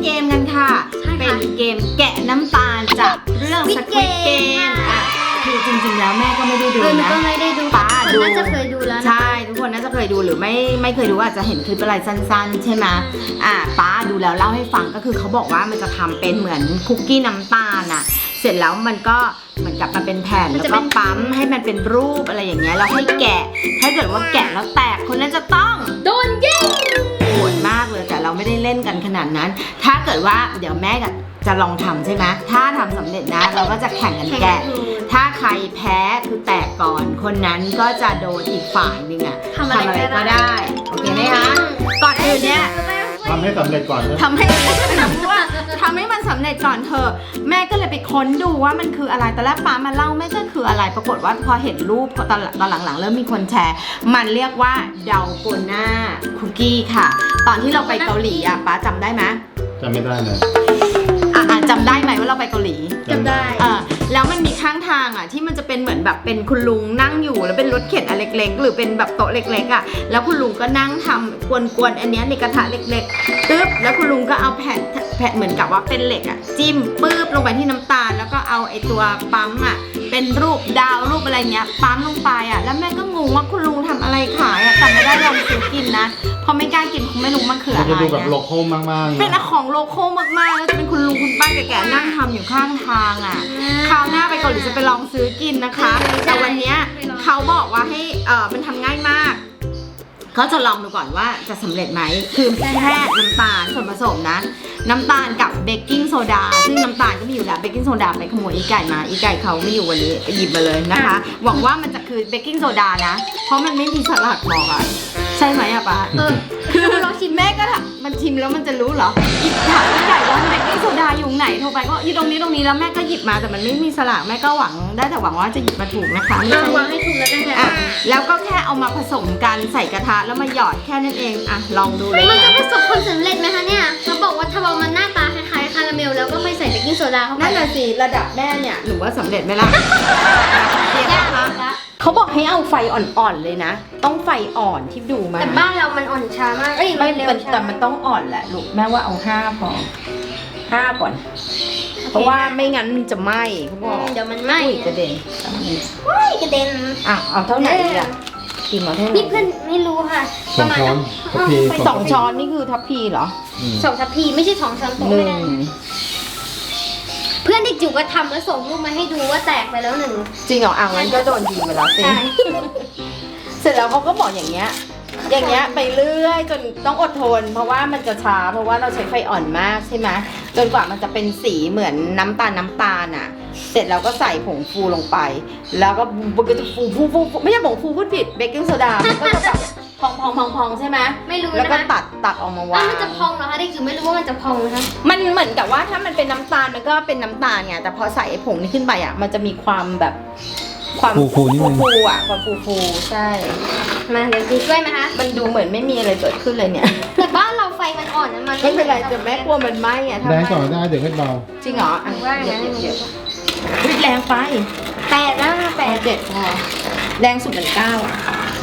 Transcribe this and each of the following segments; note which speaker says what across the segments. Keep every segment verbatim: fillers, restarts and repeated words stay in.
Speaker 1: เกมกันค่ะเป็นเกมแกะน้ำตาลจากเรื่อง Squid Game อ่ะคือจริงๆแล้วแม่ก็ไม่ได้ดูนะ
Speaker 2: ก็ไม่ได้ดูป้าดูน่าจะเคยดูแล้วนะใช่
Speaker 1: ทุกคนน่าจะเคยดูหรือไม่ไม่เคยดูอาจจะเห็นคลิปอะไรสั้นๆใช่ไหมอ่ะป้าดูแล้วเล่าให้ฟังก็คือเขาบอกว่ามันจะทำเป็นเหมือนคุกกี้น้ำตาลอ่ะเสร็จแล้วมันก็เหมือนกับมันเป็นแผ่นแล้วก็ปั๊มให้มันเป็นรูปอะไรอย่างเงี้ยแล้วให้แกะถ้าเกิดว่าแกะแล้วแตกคนนั้นจะต้อง
Speaker 2: โดนยิง
Speaker 1: โหดมากเลยแต่เราไม่ได้เล่นกันขนาดนั้นถ้าเกิดว่าเดี๋ยวแม่กับจะลองทำใช่ไหมถ้าทำสำเร็จนะเราก็จะแข่งกันแกะถ้าใครแพ้คือแตกก่อนคนนั้นก็จะโดนอีกฝ่ายนึงอะทำอะไรก็ได้โอเคไหมคะก่อนอื่นเนี่ย
Speaker 3: ทำให้สำเร็จก่อน
Speaker 1: ทำให้ว่าทำให้มันสำเร็จก่อนเถอะแม่ก็เลยไปค้นดูว่ามันคืออะไรตอนแรกป้ามาเล่าไม่ก็คืออะไรปรากฏว่าพอเห็นรูปตอนตอนหลังๆเริ่มมีคนแชร์มันเรียกว่าเดาโกน่าคุกกี้ค่ะตอนที่เราไปเกาหลีอะป้าจำได้ไหม
Speaker 3: จำไม่ได้เลย
Speaker 1: อ่ะจำได้ไหมว่าเราไปเกาหลี
Speaker 2: จำได้
Speaker 1: เออแล้วมันมีข้างทางอ่ะที่มันจะเป็นเหมือนแบบเป็นคุณลุงนั่งอยู่แล้วเป็นรถเข็นอันเล็กๆหรือเป็นแบบโต๊ะเล็กๆอ่ะแล้วคุณลุงก็นั่งทำกวนๆอันนี้ในกระทะเล็กๆตึ๊บแล้วคุณลุงก็เอาแผ่นแผ่นเหมือนกับว่าเป็นเหล็กอ่ะจิ้มปื๊บลงไปที่น้ำตาลแล้วก็เอาไอ้ตัวปั๊มอ่ะเป็นรูปดาวรูปอะไรเงี้ยปั๊มลงไปอ่ะแล้วแม่ก็งงว่าคุณลุงทำอะไรขายอ่ะแต่ไม่ได้ลองซื้อกินนะพอไม่กล้ากินคงไม่รู้มันคืออะไร
Speaker 3: จะดูแบบโลโก้มากๆ
Speaker 1: เป็นของโลโก้มากๆแล้วจะเป็นคุณลุงคุณป้าแก่ๆนั่งทำอยู่ข้างทางอ่ะคราวหน้าไปเกาหลีจะไปลองซื้อกินนะคะแต่วันนี้เขาบอกว่าให้เออมันทำง่ายมากเขาจะลองดูก่อนว่าจะสำเร็จไหมคือแค่น้ำตาลส่วนผสมนะน้ำตาลกับเบกกิ้งโซดาซึ่งน้ำตาลก็มีอยู่แล้วเบกกิ้งโซดาไปขโมยอีไก่มาอีไก่เขาไม่อยู่วันนี้ไปหยิบมาเลยนะคะหวังว่ามันจะคือเบกกิ้งโซดานะเพราะมันไม่มีสลัดบอกอ่ะใช่ไหมอะป้า
Speaker 2: เออคือเราชิม
Speaker 1: แม่ก็ถามมันชิมแล้วมันจะรู้เหรออีกถามอีไก่ว่าเบกกิ้งโซดาอยู่ไหนโทรไปก็อยู่ตรงนี้ตรงนี้แล้วแม่ก็หยิบมาแต่มันไม่มีสลัดแม่ก็หวังได้แต่หวังว่าจะหยิบมาถูกนะคะ
Speaker 2: ไม่ใช่หวังให้ถูกแล้วกันค่ะ
Speaker 1: แล้วก็แค่เอามาผสมกันใส่กระทะแล้วมาหยอดแค่นั้นเองอ่ะลองดูเลย
Speaker 2: มันจะประสบผลสำเร็จไหมคะเนี่ยเขาบอกว่าถ้าว่ามันหน้าตาคล้ายๆคาราเมลแล้วก็ไม่ใส่เบกกิ้งโซดาเข้าไป
Speaker 1: นั่นแหละสิระดับแม่เนี่ยหนูว่าสำเร็จไหมล่ะยากนะเขาบอกให้เอาไฟอ่อนๆเลยนะต้องไฟอ่อนที่ดูมา
Speaker 2: แต่บ้านเรามันอ่อนช้ามากเอ้ย
Speaker 1: ไม่เร็วแต่มันต้องอ่อนแหละลูกแม่ว่าเอาห้าพอห้าก่อนเพราะว่าไม่งั้นมันจะไหม้เขาบอก
Speaker 2: เดี๋ยวมันไหม้
Speaker 1: กระเด็น
Speaker 2: ว้ายกระเด็น
Speaker 1: อ่ะเอาเท่าไหร่อ่ะกินมาเท่าไหร่
Speaker 2: นี่เพื่อนไม่รู้ค่ะ
Speaker 3: สองช้อนทัพพี
Speaker 1: สองช้อนนี่คือทัพพีเหรอ
Speaker 2: สองทัพพีไม่ใช่สองช้อนโต๊ะไม่ได้เพื่อนเด็กจิ๋วก็ทำแล้วส่งรูปมาให้ดูว่าแตกไปแล้วหนึ่ง
Speaker 1: จริงเหรออ่ะงั้นก็โดนยิงไปแล้วสิเสร็จแล้วเขาก็บอกอย่างเงี้ยอย่างเงี้ยไปเรื่อยจนต้องอดทนเพราะว่ามันจะช้าเพราะว่าเราใช้ไฟอ่อนมากใช่ไหมจนกว่ามันจะเป็นสีเหมือนน้ำตาลน้ำตาลอ่ะเสร็จแล้วก็ใส่ผงฟูลงไปแล้วก็มันก็จะฟูฟูฟูไม่ใช่ผงฟูพูดผิดเบกกิ้งโซดามันก็จะแบบพองพองพองพองใช่ไหม
Speaker 2: ไม่รู้
Speaker 1: แล้วก็ตัดตัดออกมาวาง
Speaker 2: มันจะพองเหรอคะเด็กจิ๋วไม่รู้ว่ามันจะพองนะคะ
Speaker 1: มันเหมือนกับว่าถ้ามันเป็นน้ำตาลมันก็เป็นน้ำตาลไงแต่พอใส่ผงนี้ขึ้นไปอ่ะมันจะมีความแบบความ
Speaker 3: ฟูฟูนิดนึง
Speaker 1: ฟูอ่ะความฟูฟูใช่
Speaker 2: มาเดี๋ยวดูช่วยไหมคะ
Speaker 1: มันดูเหมือนไม่มีอะไรเกิดขึ้นเลยเนี่ย
Speaker 2: แต่บ้านเราไฟมันอ่อนนะมัน
Speaker 1: ไม่เป็นไรแต่แม่กลัวมันไหม้อ่ะ
Speaker 3: แรงก่อนได้เดี๋ยวให้เบา
Speaker 1: จริงเหรออ่ะ
Speaker 2: เดี๋ยวเดี๋ยว
Speaker 1: แรงไป
Speaker 2: แปดนะแปด
Speaker 1: เจ็ดพอแรงสุดเป็นเก้าอ่ะ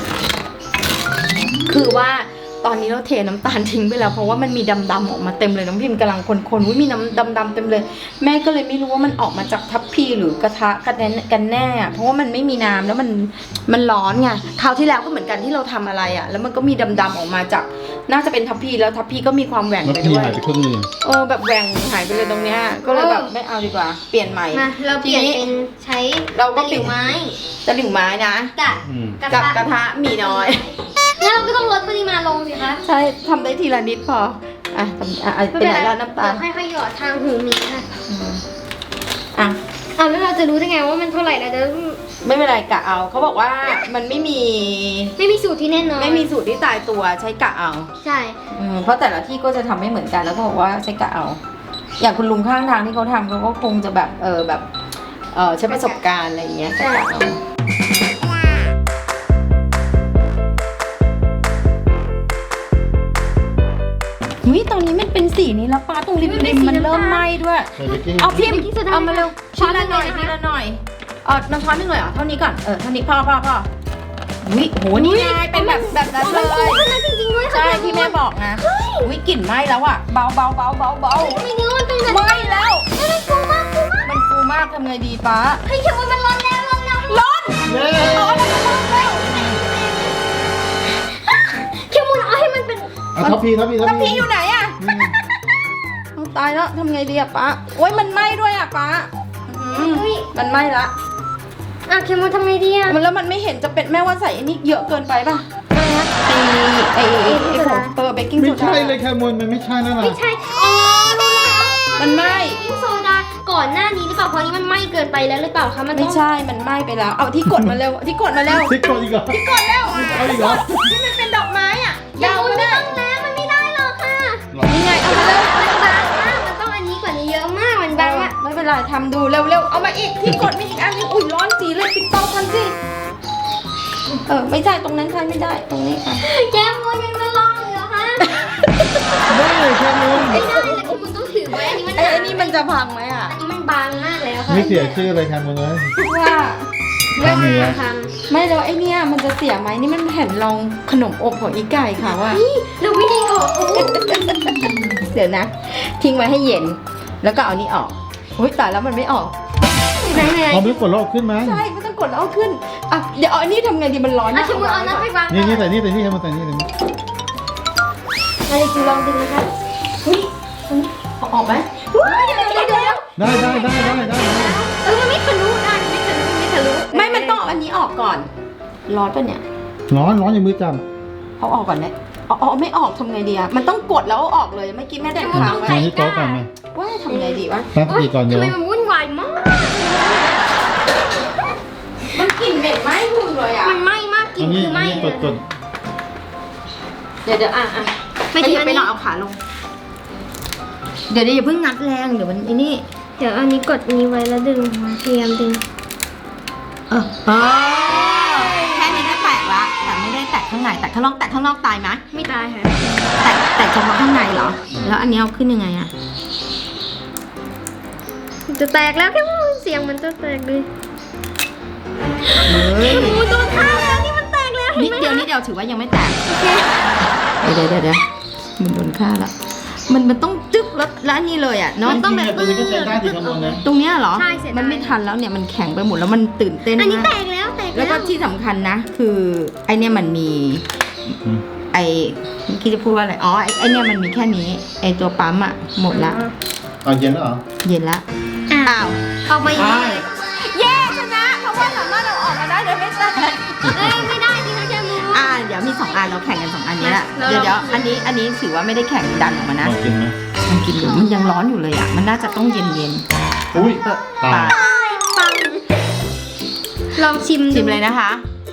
Speaker 1: คือว่าตอนนี้เราเทน้ำตาลทิ้งไปแล้วเพราะว่ามันมีดำๆออกมาเต็มเลยน้องพิมพ์กำลังคนๆว่ามีน้ำดำๆเต็มเลยแม่ก็เลยไม่รู้ว่ามันออกมาจากทัพพีหรือกระทะกันแน่กันแน่เพราะว่ามันไม่มีน้ำแล้วมันมันร้อนไงคราวที่แล้วก็เหมือนกันที่เราทำอะไรอ่ะแล้วมันก็มีดำๆออกมาจากน่าจะเป็นทัพพีแล้วทัพพีก็มีความแหว่งไปด้วย
Speaker 3: หายไปครึ่งนึง
Speaker 1: เออแบบแหว่งหายไปเลยตรงเนี้ยก็เลยแบบไม่เอาดีกว่าเปลี่ยนใหม่
Speaker 2: เราเปลี่ยนเป็นใช้
Speaker 1: เราก็
Speaker 2: ตะหลิวไม้
Speaker 1: ตะหลิวไม้นะ
Speaker 2: กับ
Speaker 1: กระทะมีน้อย
Speaker 2: แล้วเราก็ต้องลดปริมาณลงสิคะ
Speaker 1: ใช่ทำได้ทีละนิดพออ่ะทำอ่ะเป็นไหนแล้วน้ำตาล
Speaker 2: ค่อยๆหยอดทางหูมีค่ะ
Speaker 1: อ่ะ
Speaker 2: อ่ะแล้วเราจะรู้ได้ไงว่ามันเท่าไหร่แล้วเดี๋ยว
Speaker 1: ไม่เป็นไรกะเอาเขาบอกว่ามันไม่มี
Speaker 2: ไม่มีสูตรที่แน่นอน
Speaker 1: ไม่มีสูตรที่ตายตัวใช้กะเอา
Speaker 2: ใช่
Speaker 1: เพราะแต่ละที่ก็จะทำไม่เหมือนกันแล้วก็บอกว่าใช้กะเอาอย่างคุณลุงข้างทางที่เขาทำเขาก็คงจะแบบเออแบบเออใช้ประสบการณ์อะไรอย่างเงี้ยกะเอาหุ้ยตอนนี้มันเป็นสีนี้แล้วป้าตรงริมริมมันเริ่มไหม้ด้วยเอาพิมพ์เอามาเร็วช้อนละหน่อยทีละหน่อยเออน้ำช้อนนึงเลยเหรอเท่านี้ก่อนเออเท่านี้พ่อพ่อพ่อหุ้ยโหนี่ไงเป็นแบบแบบนั้นเลย
Speaker 2: จริงๆด้วย
Speaker 1: ใช่ที่แม่บอกนะอุ้ยกลิ่นไหม้แล้วอ่ะเบาเบาเบาเบาเบา
Speaker 2: ทำไมเนื้อมันเป็นแบบ
Speaker 1: ไหม้แล้ว
Speaker 2: เฮ้ยฟูมากฟูมาก
Speaker 1: มันฟูมากทำไงดีป้า
Speaker 2: เฮ้ยเดี๋ยวมันร้อนแล้วร้อนแล้ว
Speaker 1: ร้อน
Speaker 3: เย้
Speaker 1: ร้อนแล้วร้อนแล้ว
Speaker 2: เคียวมูนเอาให้มันเป็น
Speaker 3: เอาทัพพีทัพพีทัพ
Speaker 1: แล้ว
Speaker 3: พี
Speaker 1: พี่อยู่ไหนอ่ะ
Speaker 3: นี่ไง
Speaker 1: เอาตายแล้วทำไงดีอ่ะป้าโอ้ยมันไหม้ด้วยอ่ะป้าอืม
Speaker 2: เฮ้ย
Speaker 1: มันไหม้ละ
Speaker 2: อ่ะเคียวมูนทำไงดีอ่ะ
Speaker 1: มันแล้วมันไม่เห็นจะเป็นแม่ว่าใส่อันนี้เยอะเกินไปป่ะ
Speaker 2: อะไรนะ
Speaker 1: ไอไอไอไอของเออเบกกิ้งโซ
Speaker 3: ไม่
Speaker 1: ดา
Speaker 3: ใช่เลยแคมูลมันไม่ใช่แล้วล่ะ
Speaker 2: ไม่ใช่อ๋อรู้แล้ว
Speaker 1: มันไหม้
Speaker 2: เบกกิ้งโซดาก่อนหน้านี้หรือเปล่าเพราะนี้มันไหม้เกินไปแล้วหรือเปล่าคะมัน
Speaker 1: ไม่
Speaker 2: ต้อง
Speaker 1: ใช่มันไหม้ไปแล้วเอาที่กดมาเร็วที่กดมาเร็ว
Speaker 3: ทิกกดอีกเหรอ
Speaker 1: ที่กดเร็ว
Speaker 3: เอาอีกเหรอ
Speaker 1: ที่มันเป็นดอกไม้อ่ะ
Speaker 2: เคีย
Speaker 1: ดาว ว
Speaker 2: มูน
Speaker 1: ก็
Speaker 2: ไม่
Speaker 1: ได้
Speaker 2: ต้องแล้วมันไม่ได้หรอกค่ะ
Speaker 1: นี่ไงเอามาเร็ว
Speaker 2: มันบางมากมันต้องอันนี้กว่านี้เยอะมากมันบางมาก
Speaker 1: ไม่เป็นไรทำดูเร็วๆเอามาอีกที่กดมีอีกอันนึงอุ้ยร้อนจีเลยปิดเตาทันสิเออไม่ใช่ตรงนั้นใช่ไม่ได้ตรงนี้ค่ะ
Speaker 2: แกมูนยังไม่ลองเลยเหรอคะ
Speaker 3: ได้แคมูล
Speaker 2: ไม่ได้เลยคุณต้องถือไว้อันนี้มัน
Speaker 1: ไอ้ไอ้นี่มันจะพังไหมอ่ะ
Speaker 2: อันนี้มันบางมากแล้วค่ะ
Speaker 3: ไม่เสียชื่อเลยแคมูลเลย
Speaker 1: ว่า
Speaker 3: ทำอย่างเงี้ย
Speaker 2: ท
Speaker 1: ไม่แล้วไอ้เนี่ยมันจะเสียไหมนี่มันแผ่นรองขนมอบของอีไก่ค่ะว่า
Speaker 2: ำนี่เราวิธีออกโอ้
Speaker 1: เดี๋ยวนะ ทิ้งไว้ให้เย็น แล้วก็เอานี้ออกอุ้ยตายแล้วมันไม่ออก
Speaker 2: ไหนไหน
Speaker 3: พอไม่กดโลกขึ้นไหม
Speaker 1: ใช่ไม่ต้องกดแล้วเอาขึ้นอ่ะเดี๋ยวเอาอันนี้ทำไงดีมันร้อน
Speaker 2: อ่ะ
Speaker 1: นะ
Speaker 2: ชิมุนเอาน้ำไปวาง
Speaker 3: นี่นี่แต่นี่แต่นี่แคมูลแต่นี่แต่นี่
Speaker 2: อะไรจูลองดึงนะคะ
Speaker 1: เฮ้ยเอาออกไหม
Speaker 2: เดี๋ยวเดี๋ยวเดี๋ยว
Speaker 3: ได้ได้ได้ได้ได้
Speaker 2: เออมันไม่ทะลุได้มันไม่ทะลุมันไม่ทะลุ
Speaker 1: ไม่มันต้องเอาอันนี้ออกก่อน ร้อนปะเนี่ย
Speaker 3: ร้อนร้อนอย่างมือจับ
Speaker 1: เอาออกก่อนไหมเอาเอาไม่ออกทำไงดีอะมันต้องกดแล้วเอาออกเลยเมื่อกี้แม่ได้ค้าง
Speaker 3: ใส่
Speaker 1: ไว้
Speaker 3: ที่โต๊ะก่อนไหม
Speaker 1: ว่าทำไงดีวะ
Speaker 3: ตั้งสติก่อน
Speaker 2: ทำ
Speaker 3: เดี๋ยว
Speaker 2: ไมมันวุ่นวายมาก
Speaker 1: มันกลิ่นเหม็นไหม้หุ่นเลยอะ
Speaker 2: มันไหม้มากกลิ่
Speaker 3: อั
Speaker 2: น
Speaker 3: นนี้
Speaker 2: คือไหม้
Speaker 3: อันนี้
Speaker 2: เล
Speaker 3: ก
Speaker 2: ย
Speaker 3: ดกด
Speaker 1: เดี๋ยวเดี๋ยวอ่ะอ่ะ
Speaker 2: ไม่
Speaker 1: ไป
Speaker 2: ถึง
Speaker 1: เดี๋ยว
Speaker 2: อัน
Speaker 1: ไป
Speaker 2: นี้
Speaker 1: ลองเอาขาลง เดี๋ยวเดี๋ยวอย่าเพิ่งงัดแรงเดี๋ยวมันไอ้นี่
Speaker 2: เดี๋ยวอันนี้กดนี้ไว้แล้วดึงพยายามดึง
Speaker 1: เออเออแค่นี้ก็แตกละแต่ไม่ได้แตกข้างในแตกข้างนอกแตกข้างนอกตายไหม
Speaker 2: ไม่ตายค่ะ
Speaker 1: แตกแตกเฉพาะข้างในเหรอ แล้วอันนี้เอาขึ้นยังไงอะ
Speaker 2: จะแตกแล้วแค่ว่าเสียงมันจะแตกเลย
Speaker 1: เฮ้ย
Speaker 2: โอ้โหโดนข้างแล้วนี่มันแตกแล้วเห็
Speaker 1: นิ
Speaker 2: น
Speaker 1: ด
Speaker 2: ไหม
Speaker 1: เดียวนิดเดียวถือว่ายังไม่แตก
Speaker 2: โอเค
Speaker 1: เดี๋ยวเดี๋ยวเดี๋ยวมันโดนฆ่าแล้วมันมันต้องจึ๊กแล้วแล้วอันนี่เลยอ่ะเนาะ
Speaker 2: มันต้องแบบ
Speaker 3: จริงๆตัวนี้ก็ใช้ได้ที่แคมูลนะ
Speaker 1: ตรงเนี้ยเหรอ
Speaker 2: ใช่เสียดาย
Speaker 1: มันไม่ทันแล้วเนี่ยมันแข็งไปหมดแล้วมันตื่นเต้น
Speaker 2: อันนี้
Speaker 1: มา
Speaker 2: แต
Speaker 1: ก
Speaker 2: กแล้วแตก
Speaker 1: แล้วก็ที่สำคัญนะ คือไอเนี่ยมันมี
Speaker 3: อืม
Speaker 1: ไอเมื่อกี้จะพูดว่าอะไรอ๋อไอไอเนี่ยมันมีแค่นี้ไอตัวปั๊มอ่ะหมดละ
Speaker 3: เอาเย็นแล้วเหรอ
Speaker 1: เย็นละ
Speaker 2: อ่ะ
Speaker 1: อ้าว
Speaker 2: ออกมาอย่างนี้เลย
Speaker 1: เย้ชนะเพราะว่าสามารถเอาออกมาได้โดยไม่แตก
Speaker 2: เอ้ยไม่ได้จริงนะแค่มู
Speaker 1: อ่าเดี๋ยวมีสองอันเราแข่งกันสองอันนี้แหละ
Speaker 2: แล้ว
Speaker 1: เดี๋ยว
Speaker 2: เรา
Speaker 1: เดี๋ยวอันนี้อันนี้ถือว่าไม่ได้แข่งดันออกมา
Speaker 3: ล
Speaker 1: นะ
Speaker 3: องกินไหม
Speaker 1: มันกินอยู่มันยังร้อนอยู่เลยอ่ะมันน่าจะต้องเย็นเย็น
Speaker 3: อุ้ย
Speaker 1: ๆเออ
Speaker 3: ตาย
Speaker 1: ตาย
Speaker 2: ปังลองชิมดู
Speaker 1: ชิมเลยนะคะ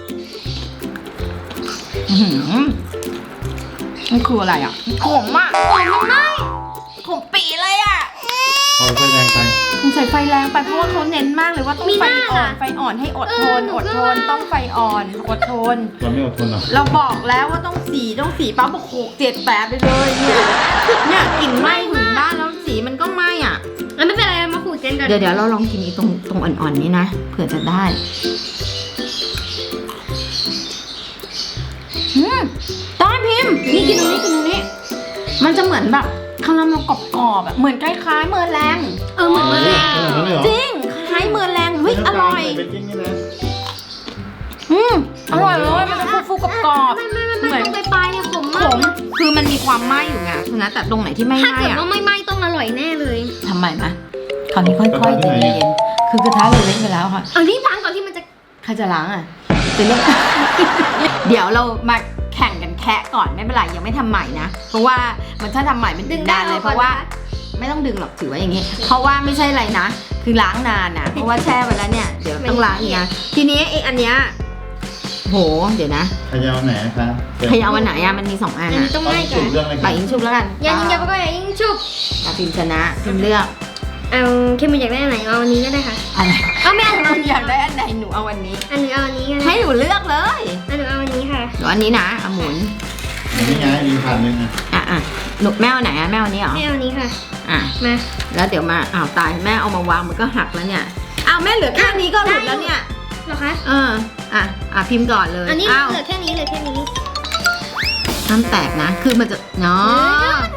Speaker 1: อื้อหือมันคืออะไรอ่ะขมอ่ะขมมันไม่ขมปีเลยอ่ะ
Speaker 3: เอาไฟแรงไป
Speaker 1: มันใส่ไฟแรงไปเพราะว่าเขาเน้นมากเลยว่าต้องไฟอ่อนไฟอ่อนให้อดทนอดทนต้องไฟอ่อนอดทน
Speaker 3: เราไม่อดทนหรอ
Speaker 1: เราบอกแล้วว่าต้องสีต้องสีป้าบอกโขกเจ็ดแปดไปเลยเนี่ยเนี่ยกลิ่นไหม้ถึงบ้านแล้วสีมันก็ไหม้อ่ะ
Speaker 2: แล้วไม่เป็นไรมาขูดเจนกัน
Speaker 1: เดี๋ยวเดี๋ยวเราลองกินอีตรงตรงอ่อนๆนี้นะเผื่อจะได้อืมต้อนพิมพ์นี่กินตรงนี้กินตรงนี้ มันจะเหมือนแบบคาราเมลกรอบๆแบบเหมือนคล้ายๆเมอร์แรง
Speaker 2: เออเหมือน
Speaker 3: เอ
Speaker 2: มา
Speaker 3: อ
Speaker 2: เลย
Speaker 3: เออนั่นเลยเหรอ
Speaker 1: จริงคล้ายเมอร์แรงเฮ้ยอร่อย
Speaker 3: เบกกิ้งนี่นะ
Speaker 1: อืมอร่อยเลยมันจะฟูๆกรอบ
Speaker 2: ไม่ไม่ไม่
Speaker 1: เหมื
Speaker 2: ไม่
Speaker 1: อน
Speaker 2: ตรงปลายๆเนี่ยขม
Speaker 1: ๆ
Speaker 2: มา
Speaker 1: ข
Speaker 2: ก
Speaker 1: มคือมันมีความไหม้อยู่ไงฉะนั้นแต่ตรงไหนที่ไม่
Speaker 2: ถ้า
Speaker 1: ไหม้
Speaker 2: เกิด
Speaker 1: อะ
Speaker 2: ว่าไม่ไหม้ต้องอร่อยแน่เลย
Speaker 1: ทำไมนะคราวนี้ค่อยๆใจเย็นๆคือกระทะเราเล็กไปแล้วค่ะ
Speaker 2: เอารีบล้างก่อนที่มันจะ
Speaker 1: ใครจะล้างอ่ะเป็นเรื่อง เดี๋ยวเรามาแข่งกันแคะก่อนไม่เป็นไรยังไม่ทำใหม่นะ เพราะว่ามันถ้าทำใหม่มันดึงนานเลยเพราะว่าไม่ต้องดึงหรอกถือไว้อย่างงี้ เพราะว่าไม่ใช่อะไรนะ คือล้างนานนะเพราะว่าแช่ไปแล้วเนี่ยเดี๋ยวต้องล้างอีกนะทีนี้ไอ้อันเนี้ยโหเดี๋ยวนะ
Speaker 3: ขยาวไหนครับ
Speaker 1: ใครเอาวันไหนอะมันมีสองอัน
Speaker 2: อัน
Speaker 1: อะ
Speaker 2: นี้ต้องง่ายก
Speaker 3: จุ
Speaker 2: ว่า
Speaker 3: ดเรื่องอะไร
Speaker 1: ไปยิงชุบแล้วกัน
Speaker 2: อย่ายิงอย่าไปก็อย่ายิงชุบ
Speaker 1: อ่ะพิมพ์ชนะพิมพ์เลือก
Speaker 2: เอาเข้มมันอยากได้อันไหนเอาอันนี้ก็ได้ค่ะ
Speaker 1: อะไร
Speaker 2: เอาไม่เอาหนู
Speaker 1: คุณอยากได้อันไหนหนูเอาวันนี้
Speaker 2: อันหนูเอาอันนี้ก็ได้
Speaker 1: ให้หนูเลือกเลย
Speaker 2: อันหนูเอาอันนี้ค่ะ
Speaker 1: หนูอันนี้นะเอาหมุน
Speaker 3: นี่ไงมีผ่านหนึ่งอ่ะ
Speaker 1: อ่ะอ่ะหนูแม่เอาไหนอะแม่เอาอันนี้เหรอ
Speaker 2: ไม่เอาอันนี้ค่ะ
Speaker 1: อ่ะ
Speaker 2: มา
Speaker 1: แล้วเดี๋ยวมาอ้าวตายแม่เอามาวางมันก็หักแล้วเนี่ยอ้าวแม่เหลือแค่นี้ก็หลุดแล้วเนี่ย
Speaker 2: เหรอคะ
Speaker 1: เอออ่ะอ่ะพิมพ์ก่อนเลย
Speaker 2: อันนี้
Speaker 1: อ้าว
Speaker 2: เหลือแค่นี้เหลือแค่นี้
Speaker 1: น้ำแตกนะ คือมันจะเนาะ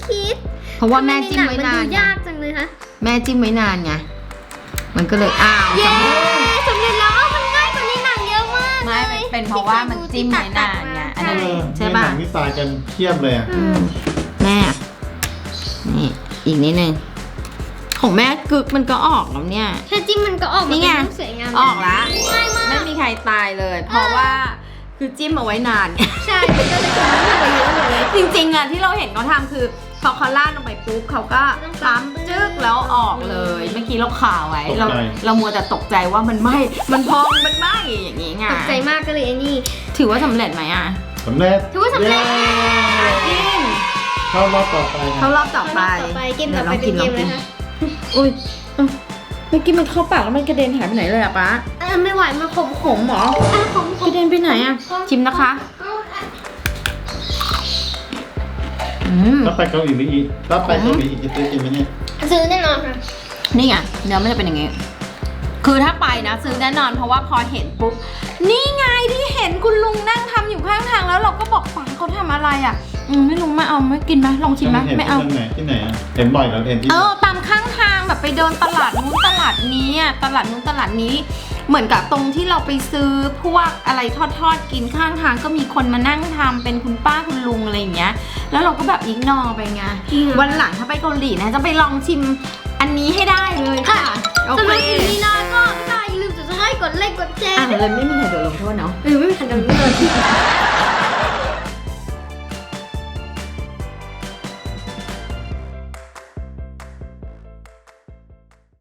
Speaker 2: คิด
Speaker 1: เพราะว่าแม่จิ้มไว้
Speaker 2: ทำ
Speaker 1: นาน
Speaker 2: มันดู
Speaker 1: ไง
Speaker 2: ยากจังเลยคะ
Speaker 1: แม่จิ้มไว้นานไงมันก็เลยอ้าว
Speaker 2: เย้สำเร็จแล้วมันง่ายกว่าในหนังเยอะมาก
Speaker 1: ไม่
Speaker 2: เลย
Speaker 1: เป็นเพราะว่ามันจิ้มไว้นานไงอันนั้น
Speaker 3: เออ
Speaker 1: ใช่ป่ะ
Speaker 3: ในหนังนี่ตายกันเทียบเลยอ่ะ
Speaker 1: อืมแม่นี่อีกนิดนึงของแม่กึกมันก็ออกแล้วเนี่ย
Speaker 2: แค่จิ้มมันก็ออกมา
Speaker 1: นี่ไง
Speaker 2: เป็นรูปสวยงาม
Speaker 1: ออกละ
Speaker 2: ง่ายมาก
Speaker 1: ไม่มีใครตายเลย เพราะว่าคือจิ้มเอาไว้นาน
Speaker 2: ใช่มันก็เลยทำให้มันเยอะเลย
Speaker 1: จริงๆอ่ะที่เราเห็นเขาทำคือพอเขาลาดลงไปปุ๊บเขาก็ปั๊มจึ๊กแล้วออกเลย เมื่อกี้เราข่าวไว้เราเรามัวแต่ตกใจว่ามันไหม้มันพองมันไหม้อย่างงี้ไง
Speaker 2: ตกใจมากก็เลยไอ้นี่
Speaker 1: ถือว่าสำเร็จไหมอ่ะ
Speaker 3: สำเร็จ
Speaker 2: ถือว่าสำเร็จ
Speaker 3: ย้
Speaker 1: กิน
Speaker 3: เข้ารอบต่อไป
Speaker 1: เข้ารอบต่อไป
Speaker 2: ต่อไปเกมต่อไปเป็นเกมอะไรคะ
Speaker 1: อุ้ยเอ้าเมื่อกี้มันเข้าปากแล้วมันกระเด็นหายไปไหนเลยอะป๊า
Speaker 2: เออไม่ไหวมันขม
Speaker 1: ขมเหรอ
Speaker 2: อ่ะขม
Speaker 1: กระเด็นไปไหนอะชิมนะคะอืม
Speaker 3: ถ้าไปเกาหลีอีกถ้าไปเกาหลีอีกจะซื้อกินไหมเนี่ย
Speaker 2: ซื้อแน่นอนค่ะ
Speaker 1: นี่ไงเนื้อมันจะเป็นอย่างงี้ คือถ้าไปนะซื้อแน่นอนเพราะว่าพอเห็นปุ๊บนี่ไงที่เห็นคุณลุงนั่งทำอยู่ข้างทางแล้วเราก็บอกป๋าเขาทำอะไรอ่ะอืมไม่รู้ไม่เอาไม่กินไหมลองชิมไหม
Speaker 3: เห็น
Speaker 1: ไม่เอา
Speaker 3: ที่ไหนที่ไหนอะเห็นบ่อยแล้วเห็นที่
Speaker 1: เออตามข้างทางแบบไปเดินตลาดนู้นตลาดนี้อ่ะตลาดนู้นตลาดนี้ เหมือนกับตรงที่เราไปซื้อพวกอะไรทอดๆกินข้างทางก็มีคนมานั่งทำเป็นคุณป้าคุณลุงอะไรอย่างเงี้ย แล้วเราก็แบบอิกนอไปไงวันหลังถ้าไปเกาหลีนะจะไปลองชิมอันนี้ให้ได้เลยค่ะโอ
Speaker 2: สำห
Speaker 1: เค
Speaker 2: รับคลิปนี้นะก็ถ้าอย่าลืมกดไลค์กดไลค์กดแชร์
Speaker 1: อ่ะเลยไม่มีใครโดนลงโทษเนาะ
Speaker 2: เออไม่มีใครจำเป็น